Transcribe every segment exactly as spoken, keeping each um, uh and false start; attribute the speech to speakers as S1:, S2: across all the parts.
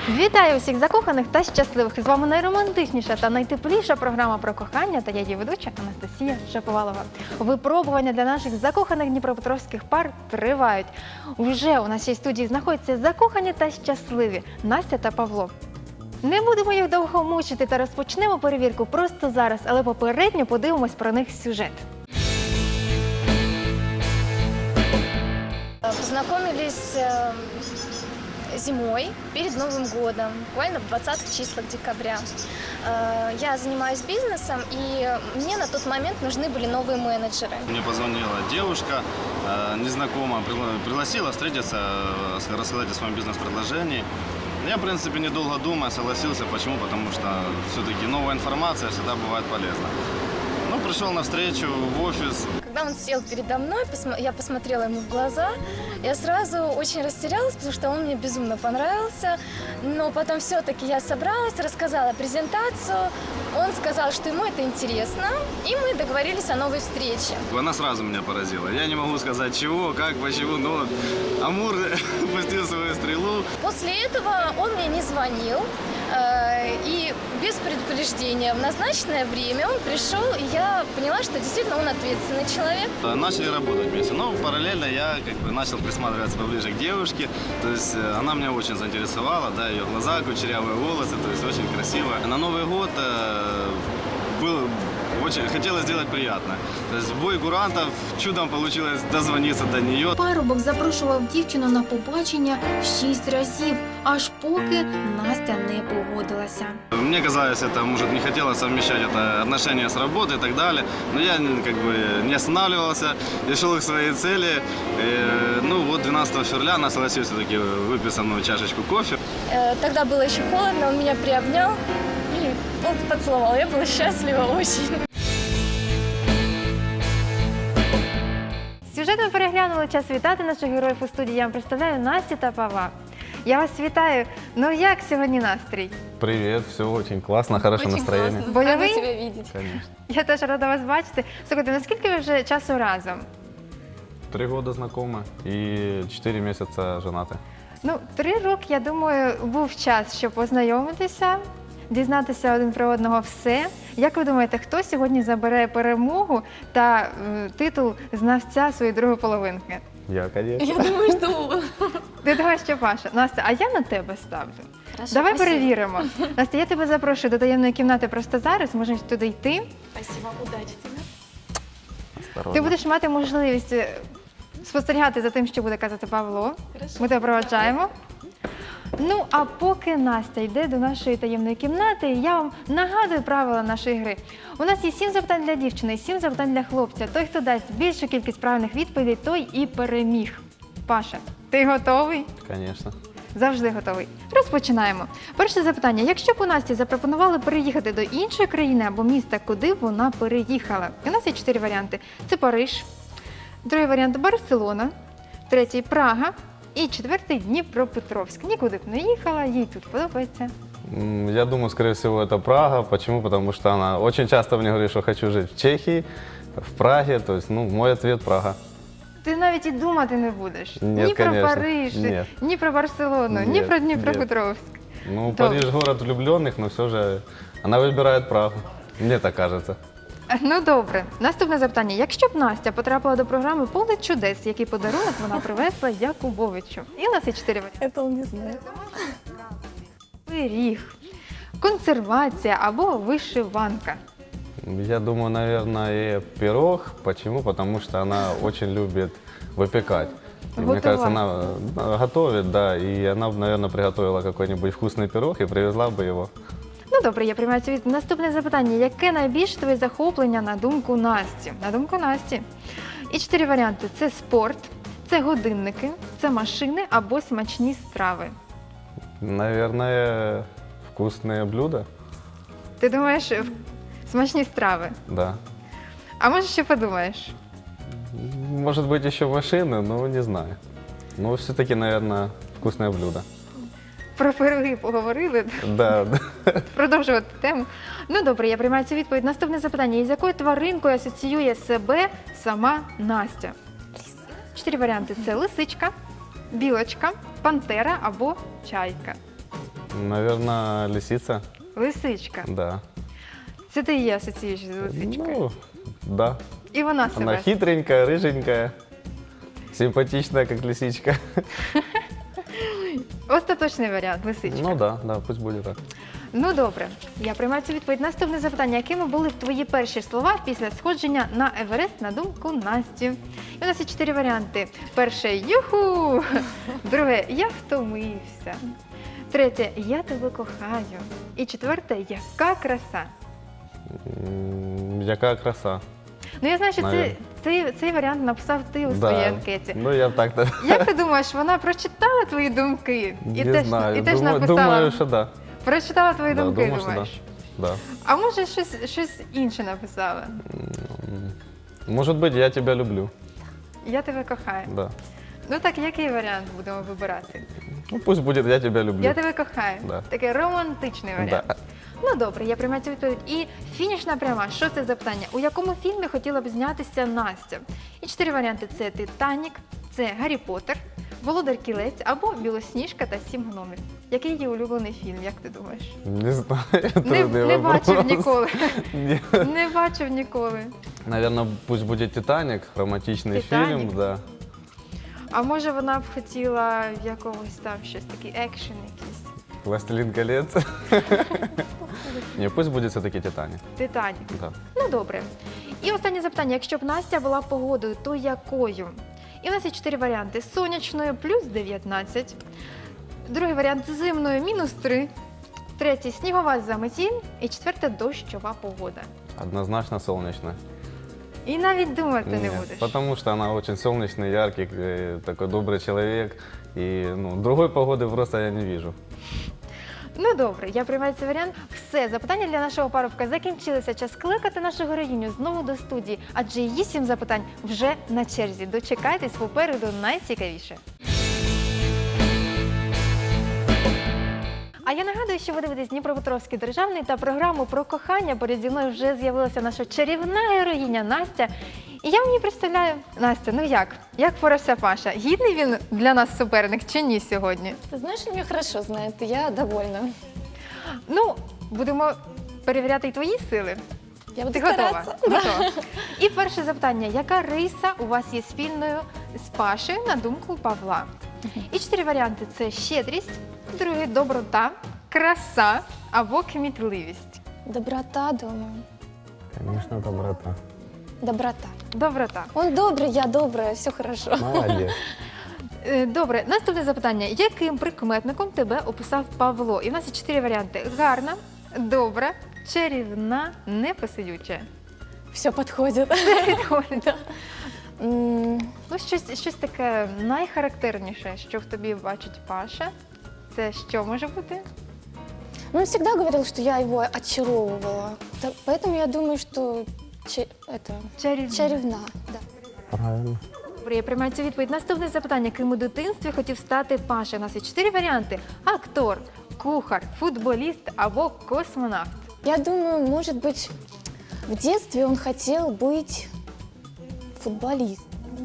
S1: Вітаю усіх закоханих та щасливих! З вами найромантичніша та найтепліша програма про кохання та я її ведуча Анастасія Шаповалова. Випробування для наших закоханих дніпропетровських пар тривають. Вже у нашій студії знаходяться закохані та щасливі Настя та Павло. Не будемо їх довго мучити та розпочнемо перевірку просто зараз, але попередньо подивимось про них сюжет.
S2: Познакомились э, зимой, перед Новым годом, буквально в двадцатых числах декабря. Э, я занимаюсь бизнесом, и мне на тот момент нужны были новые менеджеры.
S3: Мне позвонила девушка, э, незнакомая, пригла- пригласила встретиться, э, рассказать о своем бизнес-предложении. Я, в принципе, недолго думая, согласился. Почему? Потому что все-таки новая информация всегда бывает полезна. Ну, пришел на встречу в офис.
S2: Когда он сел передо мной, посмо- я посмотрела ему в глаза, я сразу очень растерялась, потому что он мне безумно понравился. Но потом все-таки я собралась, рассказала презентацию. Он сказал, что ему это интересно, и мы договорились о новой встрече.
S3: Она сразу меня поразила. Я не могу сказать, чего, как, почему, но Амур пустил свою стрелу.
S2: После этого он мне не звонил, э, и без предупреждения в назначенное время он пришел, и я поняла, что действительно он ответственный человек.
S3: Начали работать вместе. Но параллельно я как бы начал присматриваться поближе к девушке. То есть э, она меня очень заинтересовала, да, ее глаза, кучерявые волосы, то есть очень красивая. На Новый год э, был очень хотелось сделать приятно. То есть бой курантов, чудом получилось дозвониться до нее.
S1: Парубок запрошував дівчину на побачення шість разів, аж поки Настя не погодилася.
S3: Мне казалось, это может не хотела совмещать это отношения с работой и так далее, но я как бы не останавливался и шел к своей цели. И, ну вот двенадцатого февраля она согласилась все-таки выпить со мной чашечку кофе.
S2: Э, Тогда было еще холодно, он меня приобнял и он поцеловал. Я была счастлива очень.
S1: Сюжет ми переглянули, час вітати наших героїв у студії. Я вам представляю Настю та Павла. Я вас вітаю. Ну як сьогодні настрій?
S4: Привет, все очень классно, хорошее настроение.
S1: Бойовий?
S2: Рада тебя видеть.
S4: Конечно.
S1: Я теж рада вас бачити. Слухайте, наскільки ви вже часу разом?
S4: Три года знакомы и четыре месяца женаты.
S1: Ну, три роки, я думаю, був час, щоб познайомитися, дізнатися один про одного все. Як ви думаєте, хто сьогодні забере перемогу та е, титул знавця своєї другої половинки?
S4: Я, конечно.
S2: Я думаю, что он.
S1: Ти думаєш, що Паша? Настя, а я на тебе ставлю.
S2: Хорошо,
S1: Давай
S2: спасибо.
S1: перевіримо. Настя, я тебе запрошую до таємної кімнати просто зараз, можеш туди йти.
S2: Спасибо, удачи тебе.
S4: Осторожно.
S1: Ти будеш мати можливість е, спостерігати за тим, що буде казати Павло.
S2: Хорошо.
S1: Ми тебе проваджаємо. Ну, а поки Настя йде до нашої таємної кімнати, я вам нагадую правила нашої гри. У нас є сім запитань для дівчини і сім запитань для хлопця. Той, хто дасть більшу кількість правильних відповідей, той і переміг. Паша, ти готовий?
S4: Конечно.
S1: Завжди готовий. Розпочинаємо. Перше запитання. Якщо б у Насті запропонували переїхати до іншої країни або міста, куди б вона переїхала? У нас є чотири варіанти. Це Париж, другий варіант – Барселона, третій – Прага і четвертий – Дніпропетровськ. Нікуди б не їхала, їй тут подобається.
S4: М, Я думаю, скорее всего, это Прага. Почему? Потому что она очень часто мне говорит, что хочу жить в Чехии, в Праге. То есть, ну, мой ответ – Прага.
S1: Ти навіть і думати не будеш.
S4: Ні,
S1: ні про
S4: конечно.
S1: Париж,
S4: Ні.
S1: ні про Барселону, ні
S4: Ні,
S1: про
S4: ні.
S1: Дніпропетровськ.
S4: Ну,
S1: Добре.
S4: Париж – город влюбленных, но все же она выбирает Прагу. Мне так кажется.
S1: Ну добре. Наступне запитання. Якщо б Настя потрапила до програми «Поле чудес», який подарунок вона привезла Якубовичу? І у нас є чотири варіанти.
S2: Это он не знает.
S1: Пиріг, консервація або вишиванка.
S4: Я думаю, наверное, пирог. Почему? Потому что она очень любит выпекать. И мне
S1: Готовать.
S4: кажется, она э, готовит, да, и она, наверное, приготовила какой-нибудь вкусный пирог и привезла бы его.
S1: Ну добре, я приймаю цю відповідь. Наступне запитання. Яке найбільше твоє захоплення на думку Насті? На думку Насті. І чотири варіанти. Це спорт, це годинники, це машини або смачні страви.
S4: Наверное, вкусные блюда,
S1: Ти думаєш, в- смачні страви?
S4: да.
S1: А може ще подумаєш?
S4: Может быть, еще машины, но не знаю. Но все-таки, наверное, вкусное блюдо.
S1: Про пироги поговорили.
S4: Да, да.
S1: Продовжувати тему. Ну добре, я приймаю цю відповідь. Наступне запитання. Із якою тваринкою асоціює себе сама Настя? Чотири варіанти. Це лисичка, білочка, пантера або чайка.
S4: Наверное, лисица.
S1: Лисичка.
S4: Да.
S1: Це ти її асоціюєш з лисичкою.
S4: Ну, да.
S1: І вона себе.
S4: Она хитренькая, рыженькая, симпатичная, как лисичка.
S1: Остаточний варіант лисичка.
S4: Ну да, да, пусть будет так.
S1: Ну добре, я приймаю цю відповідь. Наступне запитання. Якими були твої перші слова після сходження на Еверест на думку Насті? І у нас є чотири варіанти. Перше юху. Друге я втомився. Третє я тебе кохаю. І четверте яка краса.
S4: М, Яка краса.
S1: Ну я знаю, що це,
S4: Навірно.
S1: цей, цей варіант написав ти у своїй
S4: Да.
S1: анкеті.
S4: Ну, я так-то
S1: Як ти думаєш, вона прочитала твої думки? І
S4: не
S1: теж,
S4: знаю.
S1: і теж
S4: Думаю,
S1: написала.
S4: думаю, что да.
S1: Прочитала твої
S4: Да,
S1: думки,
S4: думаю, що
S1: думаєш?
S4: Да.
S1: А може щось, щось інше написала?
S4: М, Может быть, я тебя люблю.
S1: Я тебе кохаю.
S4: Да.
S1: Ну так, який варіант будемо вибирати?
S4: Ну, пусть будет я тебя люблю.
S1: Я тебе кохаю.
S4: Да.
S1: Такий романтичний варіант.
S4: Да.
S1: Ну добре, я приймаю цю відповідь. І фінішна пряма. Що це за питання? У якому фільмі хотіла б знятися Настя? І чотири варіанти: це Титанік, це Гаррі Поттер, Володар Кілець або Білосніжка та Сім гномів. Який її улюблений фільм, як ти думаєш?
S4: Не знаю.
S1: Не,
S4: трудный
S1: не
S4: вопрос.
S1: бачив ніколи.
S4: Не.
S1: Не бачив ніколи.
S4: Наверное, пусть будет «Титаник», романтичный
S1: «Титаник».
S4: фильм, да.
S1: А може вона б хотіла якогось там щось такий екшен якийсь?
S4: «Властелин колец». Не, пусть будет все-таки «Титаник».
S1: Титанік.
S4: Да.
S1: Ну добре. І останнє запитання. Якщо б Настя була погодою, то якою? І у нас є чотири варіанти: сонячною плюс дев'ятнадцять, другий варіант зимною мінус три, третій снігова заметіль і четверте дощова погода.
S4: Однозначно солнечно.
S1: І навіть думати не
S4: Нет,
S1: будеш.
S4: потому что она очень солнечный, яркий, э, такой добрый человек. И ну, другой погоды просто я не вижу.
S1: Ну добре, я приймаю цей варіант. Все, запитання для нашого парубка закінчилися. Час кликати нашу героїню знову до студії, адже її сім запитань вже на черзі. Дочекайтесь, попереду найцікавіше. А я нагадую, що ви дивитесь Дніпропетровський державний та програму про кохання. Поряд зі мною вже з'явилася наша чарівна героїня Настя. І я мені представляю, Настя, ну як? Як впорався Паша? Гідний він для нас суперник чи ні сьогодні?
S2: Ты знаешь, он меня хорошо знает, и я довольна.
S1: Ну, будемо перевіряти й твої сили.
S2: Я буду
S1: Ти готова?
S2: стараться.
S1: Готова. І перше запитання. Яка риса у вас є спільною з Пашею на думку Павла? І чотири варіанти. Це щедрість, другий – доброта, краса або кмітливість.
S2: Доброта, думаю.
S4: Конечно, доброта.
S2: Доброта.
S1: Доброта.
S2: Он добрый, я добрая, все хорошо.
S4: Молодец.
S1: Е, Добре, наступне запитання. Яким прикметником тебе описав Павло? І в нас є чотири варіанти. Гарна, добра, чарівна, непосидюча.
S2: Все подходит.
S1: Підходить.
S2: М,
S1: Ну, щось, щось таке найхарактерніше, що в тобі бачить Паша. Це що може бути?
S2: Ну, Он всегда говорил, что я его очаровывала. Та- Поэтому я думаю, что че- это,
S1: Чарівна.
S2: чаревна. Да.
S4: Правильно.
S1: Добре, я приймаю цю відповідь. Наступне запитання. Ким у дитинстві хотів стати Паша? У нас є чотири варіанти. Актор, кухар, футболіст або космонавт.
S2: Я думаю, может быть, в детстве он хотел быть футболистом.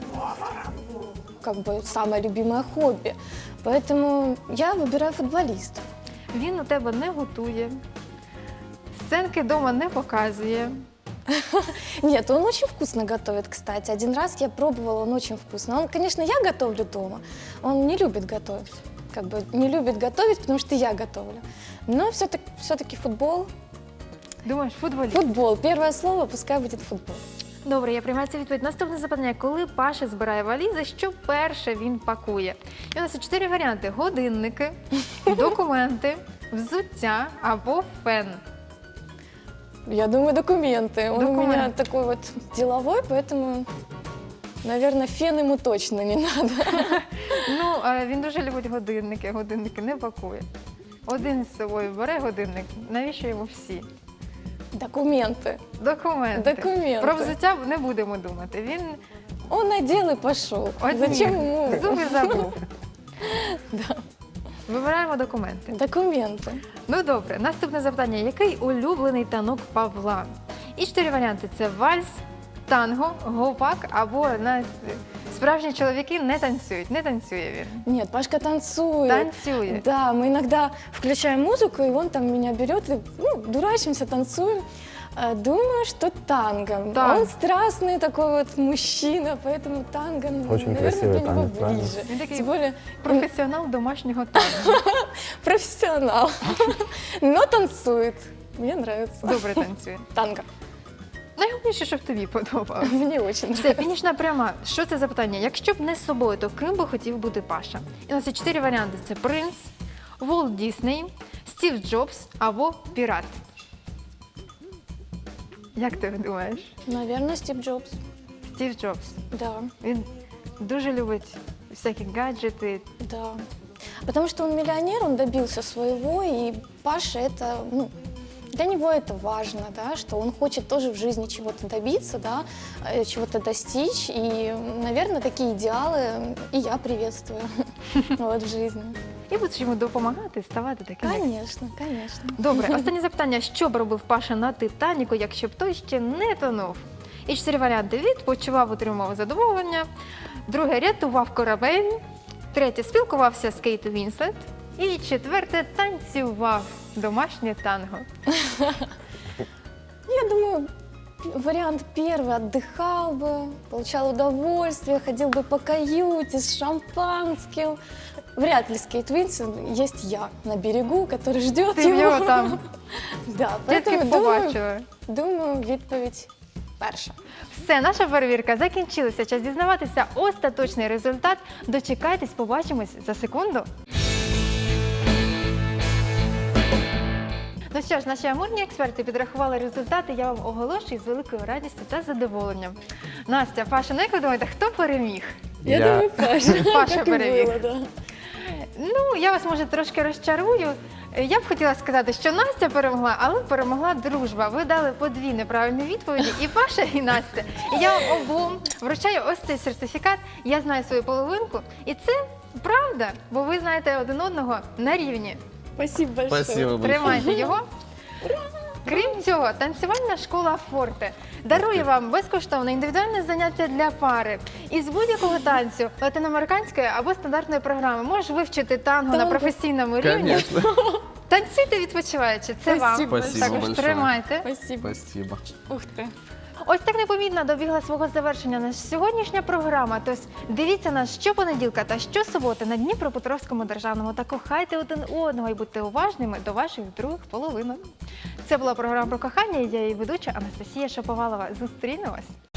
S2: Как бы самое любимое хобби. Поэтому я выбираю футболиста.
S1: Він у тебе не готує, сценки вдома не показує.
S2: Нет, он очень вкусно готовит, кстати. Один раз я пробовала, он очень вкусно. Он, конечно, я готовлю дома. Он не любит готовить. Как бы не любит готовить, потому что я готовлю. Но все-таки, все-таки футбол.
S1: Думаєш, футболіст?
S2: Футбол. Первое слово, пускай будет футбол.
S1: Добре, я приймаю цю відповідь. Наступне запитання. Коли Паша збирає валізи, що перше він пакує? І у нас є чотири варіанти. Годинники, документи, взуття або фен.
S2: Я думаю, документы. Он у
S1: Документы.
S2: меня такой вот деловой, поэтому, наверное, фен ему точно не надо.
S1: Ну, а він дуже любить годинники, годинники не пакує. Один з собою бере годинник, навіщо йому всі?
S2: Документы.
S1: Документи.
S2: Документи.
S1: Про взуття не будемо думати. Він
S2: Он надел и пошел.
S1: одні
S2: Зачем ему?
S1: зуби забув.
S2: Да.
S1: Вибираємо документи.
S2: Документы.
S1: Ну добре, наступне запитання. Який улюблений танок Павла? І чотири варіанти. Це вальс, танго, гопак або на справжні чоловіки не танцюють, не танцює він.
S2: Нет, Пашка танцует.
S1: Танцює.
S2: Да, мы иногда включаем музыку, и он там меня берет, и ну, дурачимся, танцуем. Э, Думаю, что танго.
S1: Да.
S2: Он страстный такой вот мужчина, поэтому танго, ну,
S4: Очень
S2: наверное,
S4: красивый
S2: для него
S4: танец, правильно?
S2: ближе.
S1: Он такой
S2: Тем более
S1: Професіонал домашнього танцю.
S2: профессионал, но танцует. Мне нравится.
S1: Добре танцює.
S2: Танго.
S1: Найголовніше, щоб тобі подобалося.
S2: Мне очень
S1: Все,
S2: нравится.
S1: фінішна пряма. Що це за питання? Якщо б не з собою, то ким би хотів бути Паша? І у нас є чотири варіанти: це принц, Волт Дісней, Стів Джобс або пірат. Як ти думаєш?
S2: Наверное, Стив Джобс.
S1: Стів Джобс.
S2: Да,
S1: Він дуже любить всякі гаджети.
S2: да. Потому что он миллионер, он добился своего, и Паша это, ну, для него это важно, да, что он хочет тоже в жизни чего-то добиться, да, э, чего-то достичь, и, наверное, такие идеалы и я приветствую вот в жизни.
S1: І будеш йому допомагати ставати таким. як
S2: Конечно, конечно.
S1: Добре, останнє запитання. Що б робив Паша на Титаніку, якщо б той ще не тонув? І чотири варіанти: відпочивав, отримував задоволення. Друге, рятував корабель. Третє, спілкувався з Кейт Вінслет. І четверте, танцював домашнє танго.
S2: Я думаю, вариант первый: отдыхал бы, получал удовольствие, ходил бы по каюте с шампанским. Вряд ли с Кейт Уинслет, есть я на берегу, который ждет
S1: Ти в
S2: его.
S1: нього там
S2: Да,
S1: тільки
S2: поэтому думаю,
S1: побачила.
S2: думаю, відповідь перша.
S1: Все, наша перевірка закінчилася. Час дізнаватися остаточний результат. Дочекайтесь, побачимось за секунду. Ну що ж, наші амурні експерти підрахували результати. Я вам оголошую з великою радістю та задоволенням. Настя, Паша, ну як ви думаєте, хто переміг?
S2: Я,
S4: Я-
S2: думаю, Паша.
S1: Паша
S2: Как и
S1: перевів.
S2: было, да.
S1: Ну, я вас, може, трошки розчарую. Я б хотіла сказати, що Настя перемогла, але перемогла дружба. Ви дали по дві неправильні відповіді, і Паша, і Настя. І я вам обом вручаю ось цей сертифікат. Я знаю свою половинку. І це правда, бо ви знаєте один одного на рівні.
S2: Спасибо большое.
S4: Спасибо большое.
S1: Тримайте його. Крім цього, танцювальна школа Форте дарує вам безкоштовне індивідуальне заняття для пари. Із будь-якого танцю, латиноамериканської або стандартної програми, можеш вивчити танго на
S2: Танго.
S1: професійному рівні.
S4: Конечно.
S1: Танцюйте відпочиваючи, це вам.
S2: Спасибо.
S4: Спасибо
S1: Також
S4: большое.
S1: тримайте.
S2: Спасибо.
S4: Спасибо.
S2: Ух ты.
S1: Ось так непомітно добігла свого завершення наша сьогоднішня програма. Тож дивіться нас щопонеділка та щосуботи на Дніпропетровському державному та кохайте один одного і будьте уважними до ваших других половинок. Це була програма про кохання, і я її ведуча Анастасія Шаповалова. Зустрінемось!